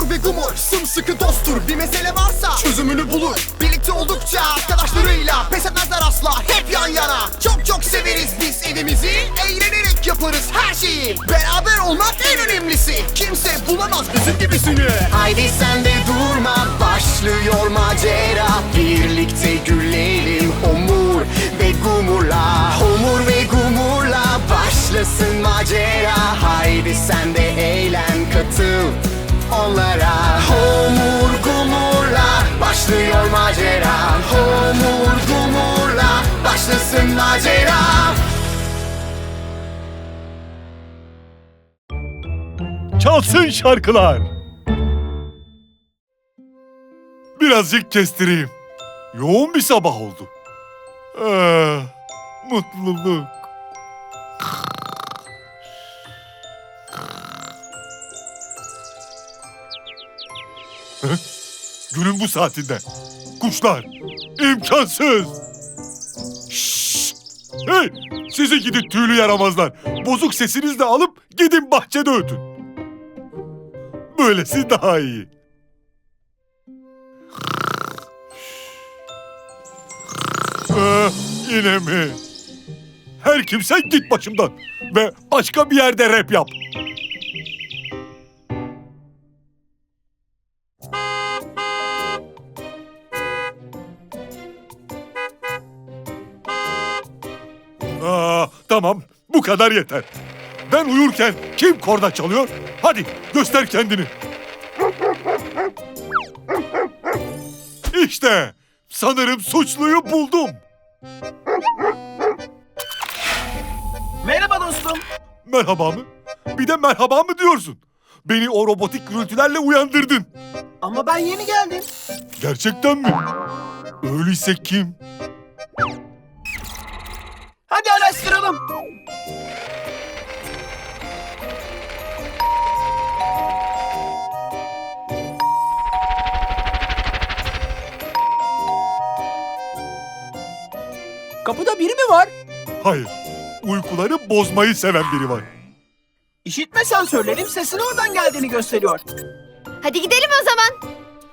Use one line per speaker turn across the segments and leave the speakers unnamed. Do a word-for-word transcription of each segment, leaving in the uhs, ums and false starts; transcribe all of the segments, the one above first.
Homur ve Gumur sımsıkı dosttur. Bir mesele varsa çözümünü bulur. Birlikte oldukça arkadaşlarıyla pes etmezler asla, hep yan yana. Çok çok severiz biz evimizi, eğlenerek yaparız her şeyi. Beraber olmak en önemlisi, kimse bulamaz bizim gibisini. Haydi sen de durma, başlıyor macera. Birlikte gülelim Homur ve Gumur'la. Homur ve Gumur'la başlasın macera. Haydi sen de eğlen, katıl onlara. Homur Gumur'la başlıyor macera. Homur Gumur'la başlasın macera.
Çalsın şarkılar. Birazcık kestireyim. Yoğun bir sabah oldu. Ah, mutluluk. Hı? Günün bu saatinde. Kuşlar. İmkansız. Şşş! Hey! Sizi gidin tüylü yaramazlar. Bozuk sesinizle alıp gidin bahçede ötün. Böylesi daha iyi. Ah, yine mi? Her kimse git başımdan. Ve başka bir yerde rap yap. Aa, tamam, bu kadar yeter. Ben uyurken kim korna çalıyor? Hadi göster kendini. İşte sanırım suçluyu buldum.
Merhaba dostum.
Merhaba mı? Bir de merhaba mı diyorsun? Beni o robotik gürültülerle uyandırdın.
Ama ben yeni geldim.
Gerçekten mi? Öyleyse kim?
Hadi araştıralım.
Kapıda biri mi var?
Hayır, uykuları bozmayı seven biri var.
İşitme sensörlerim sesin oradan geldiğini gösteriyor.
Hadi gidelim o zaman.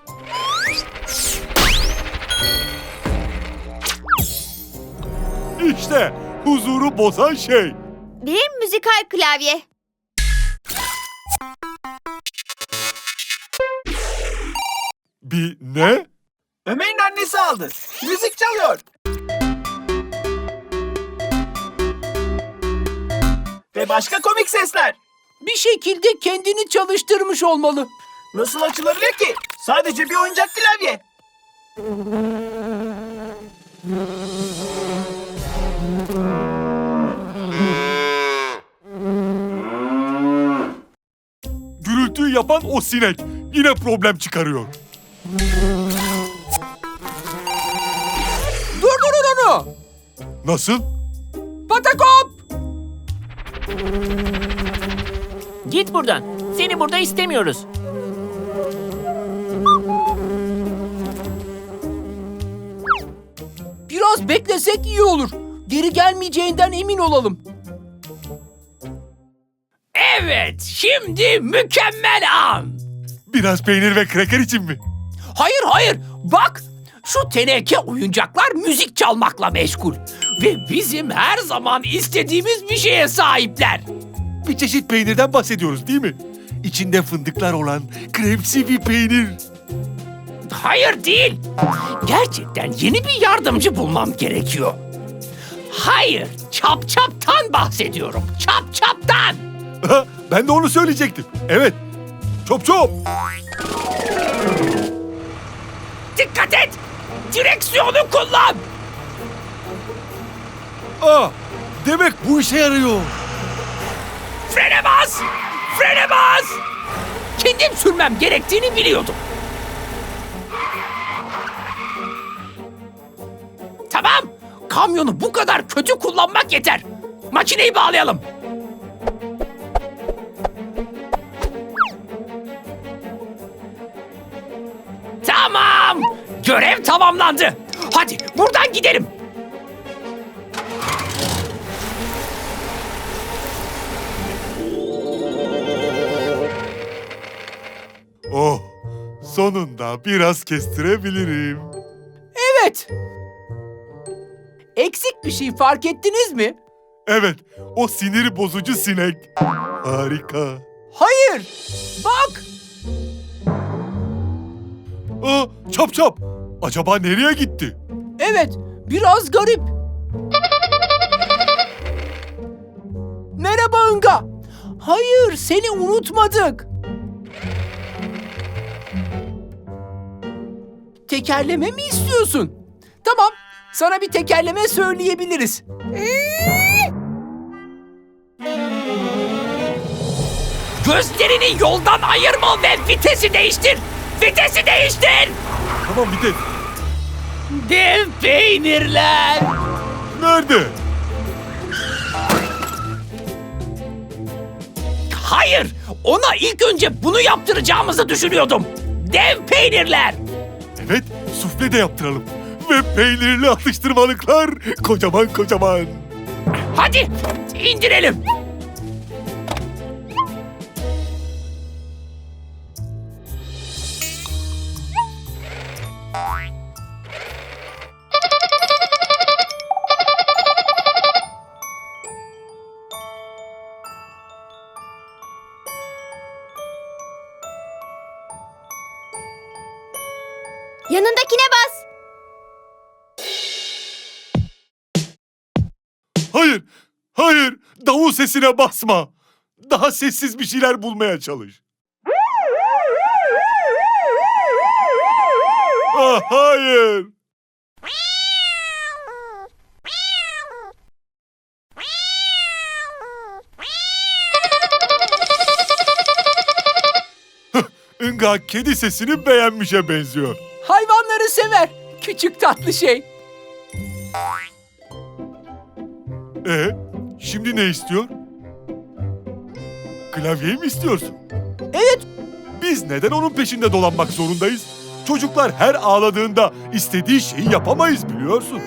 İşte huzuru bozan şey.
Bir müzikal klavye.
Bir ne?
Ömer'in annesi aldı. Müzik çalıyor. Ve başka komik sesler.
Bir şekilde kendini çalıştırmış olmalı.
Nasıl açılabilir ki? Sadece bir oyuncak klavye.
Gürültüyü yapan o sinek yine problem çıkarıyor.
Durdurun onu!
Nasıl?
Patakop!
Git buradan. Seni burada istemiyoruz.
Biraz beklesek iyi olur. Geri gelmeyeceğinden emin olalım.
Evet, şimdi mükemmel an.
Biraz peynir ve kreker için mi?
Hayır hayır, bak. Şu teneke oyuncaklar müzik çalmakla meşgul. Ve bizim her zaman istediğimiz bir şeye sahipler.
Bir çeşit peynirden bahsediyoruz değil mi? İçinde fındıklar olan kremsi bir peynir.
Hayır değil. Gerçekten yeni bir yardımcı bulmam gerekiyor. Hayır, çap çaptan bahsediyorum. Çap çaptan.
Ben de onu söyleyecektim. Evet. Çop çop.
Dikkat et. Direksiyonu kullan.
Aa, demek bu işe yarıyor.
Frene bas. Frene bas. Kendim sürmem gerektiğini biliyordum. Tamam. Kamyonu bu kadar kötü kullanmak yeter. Makineyi bağlayalım. Tamam. Görev tamamlandı. Hadi buradan gidelim.
Oh, sonunda biraz kestirebilirim.
Evet. Eksik bir şey fark ettiniz mi?
Evet, o sinir bozucu sinek. Harika.
Hayır. Bak.
Aa, çap çap. Acaba nereye gitti?
Evet, biraz garip. Merhaba Inga. Hayır, seni unutmadık. Tekerleme mi istiyorsun? Tamam, sana bir tekerleme söyleyebiliriz.
Gözlerini yoldan ayırma ve vitesi değiştir. Vitesi değiştir.
Tamam bir de.
Dev peynirler.
Nerede?
Hayır, ona ilk önce bunu yaptıracağımızı düşünüyordum. Dev peynirler.
Evet, sufle de yaptıralım. Ve peynirli atıştırmalıklar kocaman kocaman.
Hadi indirelim.
Yanındakine bas.
Hayır, hayır, davul sesine basma. Daha sessiz bir şeyler bulmaya çalış. Ah, hayır. Inga kedi sesini beğenmişe benziyor.
Hayvanları sever. Küçük tatlı şey.
Ee, şimdi ne istiyor? Klavyeyi mi istiyorsun?
Evet,
Biz neden onun peşinde dolanmak zorundayız? Çocuklar her ağladığında istediği şeyi yapamayız biliyorsun.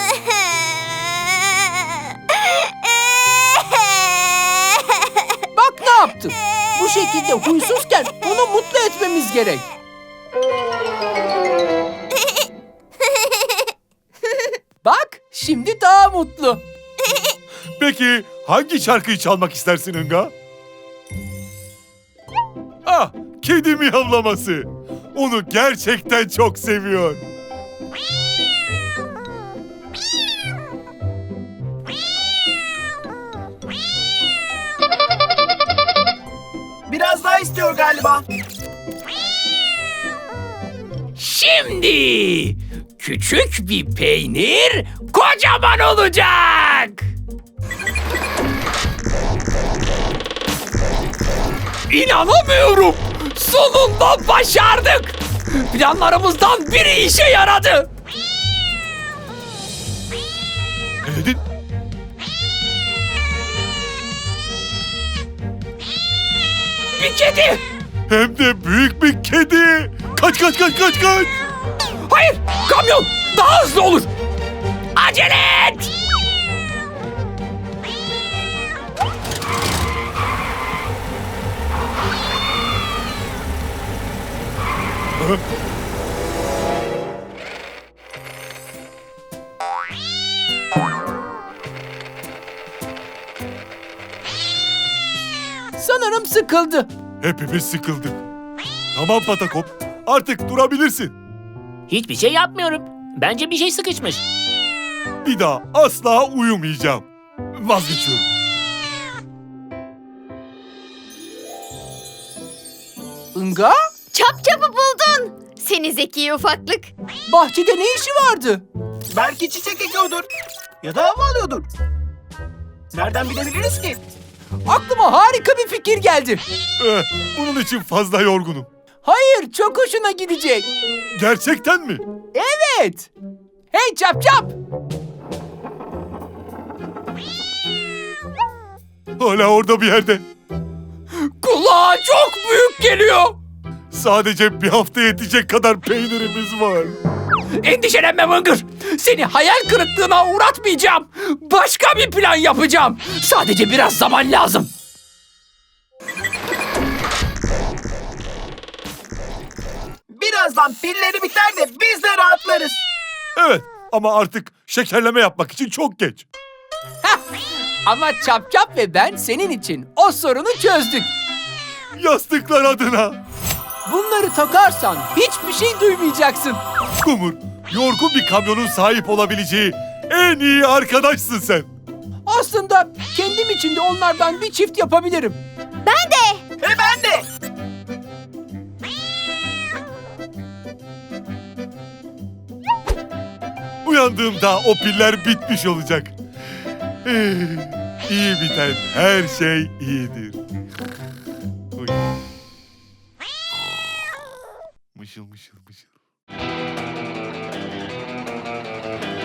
bak ne yaptın. Bu şekilde huysuzken onu mutlu etmemiz gerek. Bak, şimdi daha mutlu.
Peki hangi şarkıyı çalmak istersin Inga? Ah, kedi miyavlaması. Onu gerçekten çok seviyor.
Biraz daha istiyor galiba.
Şimdi küçük bir peynir kocaman olacak. İnanamıyorum. Sonunda başardık. Planlarımızdan biri işe yaradı.
Ne dedin?
Bir kedi.
Hem de büyük bir kedi. Kaç kaç kaç kaç kaç.
Hayır, kamyon daha hızlı olur. Acele et.
Hı?
Sanırım sıkıldı.
Hepimiz sıkıldık. Tamam Patakop, artık durabilirsin.
Hiçbir şey yapmıyorum. Bence bir şey sıkışmış.
Bir daha asla uyumayacağım. Vazgeçiyorum.
Inga,
Çap çapı buldun. Seni zeki ufaklık.
bahçede ne işi vardı?
Belki çiçek ekiyordur. Ya da hava alıyordur. Nereden bilebiliriz ki?
Aklıma harika bir fikir geldi.
Eh, bunun için fazla yorgunum.
Hayır, çok hoşuna gidecek.
Gerçekten mi?
Evet. Hey çap çap.
Hala orada bir yerde.
Kulağa çok büyük geliyor.
Sadece bir hafta yetecek kadar peynirimiz var.
Endişelenme Mıngır. Seni hayal kırıklığına uğratmayacağım. Başka bir plan yapacağım. Sadece biraz zaman lazım.
Bir zaman pilleri biter de biz de rahatlarız.
Evet ama artık şekerleme yapmak için çok geç.
Ama Çap Çap ve ben senin için o sorunu çözdük.
Yastıklar adına.
Bunları takarsan hiçbir şey duymayacaksın.
Kumur, yorgun bir kamyonun sahip olabileceği en iyi arkadaşsın sen.
Aslında kendim için de onlardan bir çift yapabilirim.
E ben de.
Uyandığımda o piller bitmiş olacak. Eh, İyi biten her şey iyidir. Uy. Mışıl mışıl mışıl.